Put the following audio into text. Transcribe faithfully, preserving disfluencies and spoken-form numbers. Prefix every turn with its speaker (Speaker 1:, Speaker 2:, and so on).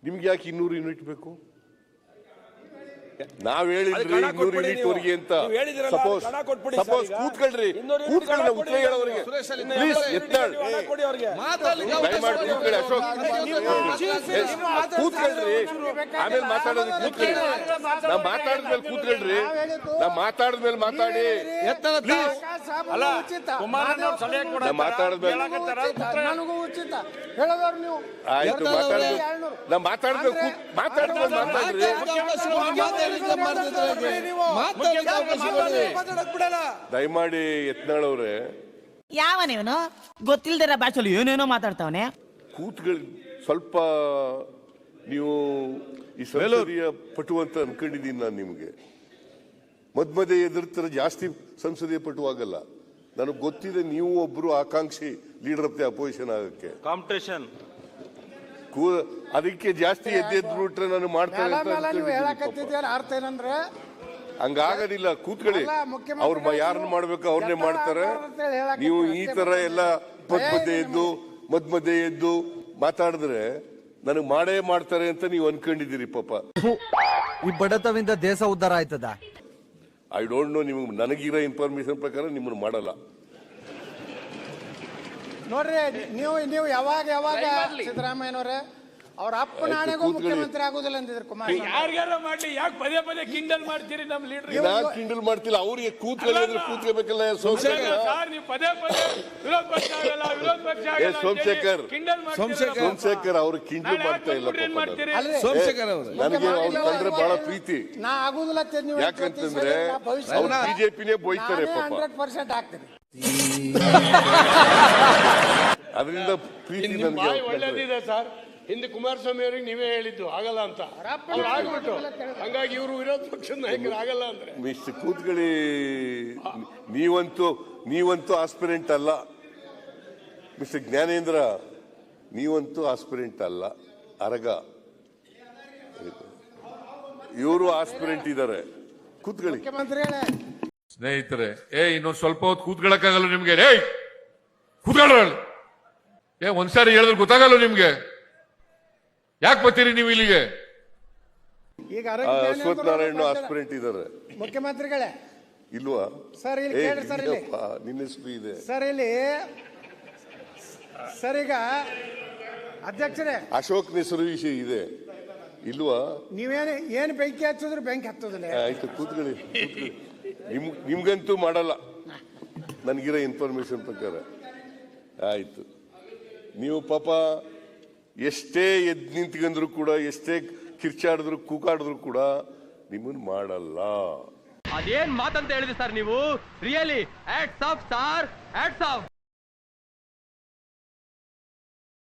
Speaker 1: ನಿಮ್ಗೆ ಯಾಕೆ ಇನ್ನೂರು ಯೂನಿಟ್ ಬೇಕು? ನಾವ್ ಹೇಳಿದ್ರಿ ಇನ್ನೂರು ಯೂನಿಟ್ ವರೆಗೆ ಅಂತ. ಸಪೋಸ್ ಸಪೋಸ್ ಕೂತ್ಕೊಳ್ರಿ, ಕೂತ್ಕೊಳ್ಳಿ, ಉತ್ತರ ಹೇಳೋರಿಗೆ ಪ್ಲೀಸ್ ಎತ್ತಾಳ್ ದಯಮಾಡಿ ಕೂತ್ಕೊಳ್ಳಿ. ಅಶೋಕ್ ಕೂತ್ಕೊಳ್ರಿ, ಆಮೇಲೆ ಮಾತಾಡೋದು ಕೂತ್ಕೊಳ್ಳಿ. ನಾ ಮಾತಾಡಿದ್ಮೇಲೆ ಕೂತ್ಕೊಳ್ರಿ, ನಾ ಮಾತಾಡಿದ್ಮೇಲೆ ಮಾತಾಡಿ ಪ್ಲೀಸ್. ನಾ ಮಾತಾಡಿದ್ಮೇಲೆ ಆಯ್ತು, ಮಾತಾಡಿದ್ ನಾ ಮಾತಾಡಿದ್ಮೇಲೆ ಮಾತಾಡಿದ್ಮೇಲೆ ಮಾತಾಡ್ರಿ. ದಯಮಾಡಿ ಯತ್ನಾಳ್ ಅವ್ರೆ,
Speaker 2: ಯಾವನೇವನು ಗೊತ್ತಿಲ್ದಿರ ಭಾಷೆಯಲ್ಲಿ ಏನೇನೋ ಮಾತಾಡ್ತಾವನೆ.
Speaker 1: ಕೂತ್ಗಳು ಸ್ವಲ್ಪ ನೀವು ಈ ಸಂಸದೀಯ ಪಟು ಅಂತ ಅನ್ಕೊಂಡಿದ್ದೀನಿ ನಾನು. ನಿಮಗೆ ಮದ್ ಮಧ್ಯೆ ಎದುರ್ತಾರೆ, ಜಾಸ್ತಿ ಸಂಸದೀಯ ಪಟು ಆಗಲ್ಲ. ನನಗೆ ಗೊತ್ತಿದೆ ನೀವು ಒಬ್ರು ಆಕಾಂಕ್ಷಿ ಲೀಡರ್ ಆಫ್ ದಿ ಅಪೋಸಿಷನ್ ಆಗಕ್ಕೆ.
Speaker 3: ಕಾಂಪಿಟೇಷನ್
Speaker 1: ಅದಕ್ಕೆ ಜಾಸ್ತಿ ಎದ್ದೆದ್ದು ಬಿಟ್ರೆ ನಾನು ಮಾಡ್ತೇನೆ
Speaker 4: ಅರ್ಥ ಏನಂದ್ರೆ
Speaker 1: ಹಂಗಾಗೋದಿಲ್ಲ. ಕೂತ್ಕೊಳ್ಳಿ, ಅವ್ರ ಯಾರನ್ನ ಮಾಡ್ಬೇಕು ಅವ್ರನ್ನೇ ಮಾಡ್ತಾರೆ. ನೀವು ಈ ತರ ಎಲ್ಲ ಮದ್ ಮಧ್ಯೆ ಎದ್ದು ಮದ್ ಮಧ್ಯೆ ಎದ್ದು ಮಾತಾಡಿದ್ರೆ ನನಗೆ ಮಾಡೇ ಮಾಡ್ತಾರೆ ಅಂತ ನೀವು ಅನ್ಕೊಂಡಿದ್ದೀರಿ. ಪಾಪ
Speaker 5: ಈ ಬಡತವಿಂದ ದೇಶ ಉದ್ಧಾರ ಆಯ್ತದ?
Speaker 1: I don't know. ನಿಮ್ಗೆ ನನಗಿರೋ ಇನ್ಫಾರ್ಮೇಶನ್ ಪ್ರಕಾರ ನಿಮ್ಮನ್ನು ಮಾಡಲ್ಲ.
Speaker 4: ನೋಡ್ರಿ, ನೀವು ನೀವು ಯಾವಾಗ ಯಾವಾಗ ಸಿದ್ದರಾಮಯ್ಯನವ್ರೆ ಅವ್ರ ಅಪ್ಪನ ಆಣೆಗೂ ಮುಖ್ಯಮಂತ್ರಿ ಆಗೋದಿಲ್ಲ ಅಂದಿದ್ರು ಕುಮಾರಸ್ವಾಮಿ.
Speaker 6: ಯಾರ್ಯಾರ ಮಾಡ್ಲಿ, ಯಾಕೆ ಪದೇ ಪದೇ ಕಿಂಡಲ್ ಮಾಡ್ತೀರಿ ನಮ್ಮ ಲೀಡರ್?
Speaker 1: ನಾನು ಕಿಂಡಲ್ ಮಾಡ್ತಿಲ್ಲ, ಅವ್ರಿಗೆ ಕೂತ್ಕೊಳ್ಳಿ, ಕೂತ್ಕೋಬೇಕಲ್ಲ. ಸೋಮಶೇಖರ್
Speaker 6: ನೀವು ಪದೇ ಪದೇ ವಿರೋಧ ಪಕ್ಷ ಆಗಲ್ಲ, ವಿರೋಧ ಪಕ್ಷ ಆಗಲ್ಲ
Speaker 1: ಸೋಮಶೇಖರ್
Speaker 6: ಕಿಂಡಲ್ ಮಾಡ್ತೀರಿ.
Speaker 1: ಸೋಮಶೇಖರ್ ಅವರು ಕಿಂಡಲ್ ಮಾಡ್ತಾ ಇಲ್ಲ.
Speaker 5: ಸೋಮಶೇಖರ್ ಅವರು
Speaker 1: ನನಗೆ ಅವ್ರು ಕಂಡ್ರೆ ಬಹಳ ಪ್ರೀತಿ.
Speaker 4: ನಾ ಆಗುದಿಲ್ಲ
Speaker 1: ಯಾಕಂತಂದ್ರೆ ಅವ್ರು ಬಿಜೆಪಿನೇ ಬೋಯ್ತಾರೆ ಪಾಪ.
Speaker 4: ಹಂಡ್ರೆಡ್ ಪರ್ಸೆಂಟ್ ಆಗ್ತೀನಿ.
Speaker 1: ಅದರಿಂದ ಪ್ರೀತಿ ನನಗೆ
Speaker 6: ಒಳ್ಳೇದಿದೆ ಸರ್. ಹಿಂದೆ ಕುಮಾರಸ್ವಾಮಿ ಅವರಿಗೆ ನೀವೇ ಹೇಳಿದ್ದು ಆಗಲ್ಲ ಅಂತ, ಅವ್ರು ಆಗ್ಬಿಟ್ಟು ಹಂಗಾಗಿ ಇವರು ವಿರೋಧ ಪಕ್ಷದ ನಾಯಕರು ಆಗಲ್ಲ ಅಂದ್ರೆ.
Speaker 1: ಮಿಸ್ಟರ್ ಕೂತ್ಕೊಳ್ಳಿ, ನೀವಂತೂ ನೀವಂತೂ ಆಸ್ಪಿರೆಂಟ್ ಅಲ್ಲ. ಮಿಸ್ಟರ್ ಜ್ಞಾನೇಂದ್ರ, ನೀವಂತೂ ಆಸ್ಪಿರೆಂಟ್ ಅಲ್ಲ, ಅರಗ. ಇವರು ಆಸ್ಪಿರೆಂಟ್ ಇದ್ದಾರೆ. ಕೂತ್ಕೊಳ್ಳಿ
Speaker 4: ಮುಖ್ಯಮಂತ್ರಿಗಳೇ.
Speaker 7: ಸ್ನೇಹಿತರೆ, ಏ ಇನ್ನೊಂದು ಸ್ವಲ್ಪ ಹೊತ್ತು ಕೂತ್ಕೊಳ್ಳಕ್ಕಾಗಲ್ಲ ನಿಮ್ಗೆ? ಏಯ್ ಕೂತ್ಕೊಳ್ಳ, ಏ ಒಂದ್ಸಾರಿ ಹೇಳಿದ್ರೆ ಗೊತ್ತಾಗಲ್ಲ ನಿಮ್ಗೆ? ಯಾಕೆ ಬರ್ತೀರಿ ನೀವು ಇಲ್ಲಿಗೆ?
Speaker 4: ಈಗ
Speaker 1: ಅಶ್ವಥ್ ನಾರಾಯಣ ಆಸ್ಪಿರೆಂಟ್ ಇದ್ದಾರೆ.
Speaker 4: ಮುಖ್ಯಮಂತ್ರಿಗಳೇ
Speaker 1: ಇಲ್ವಾ
Speaker 4: ಸರ್? ಇಲ್ಲಿ ಕೇಳಿ ಸರ್, ಇಲ್ಲಿ
Speaker 1: ನಿನ್ನ ಹೆಸರು ಇದೆ
Speaker 4: ಸರ್. ಇಲ್ಲಿ ಸರ್ ಈಗ ಅಧ್ಯಕ್ಷರೇ
Speaker 1: ಅಶೋಕ್ ಹೆಸರು ವಿಷಯ ಇದೆ ಇಲ್ವಾ?
Speaker 4: ನೀವೇನು ಏನು ಬೆಂಕಿ ಹಚ್ಚಿದ್ರು ಬೆಂಕಿ ಹತ್ತೋದಿಲ್ಲ.
Speaker 1: ಆಯ್ತು, ಕೂತ್ಕೊಳ್ಳಿ. ನಿಮ್ ನಿಮ್ಗಂತೂ ಮಾಡಲ್ಲ ನನಗಿರೋ ಇನ್ಫಾರ್ಮೇಶನ್ ಪ್ರಕಾರ. ಆಯ್ತು, ನೀವು ಪಾಪ ಎಷ್ಟೇ ಎದ್ದು ನಿಂತ್ಕೊಂಡ್ರು ಕೂಡ, ಎಷ್ಟೇ ಕಿರ್ಚಾಡಿದ್ರು ಕೂಕಾಡಿದ್ರು ಕೂಡ ನಿಮ್ಮನ್ನು ಮಾಡಲ್ಲ.
Speaker 8: ಅದೇನ್ ಮಾತಂತ ಹೇಳಿದ್ರಿ ಸರ್ ನೀವು? Really hats off sir, hats of.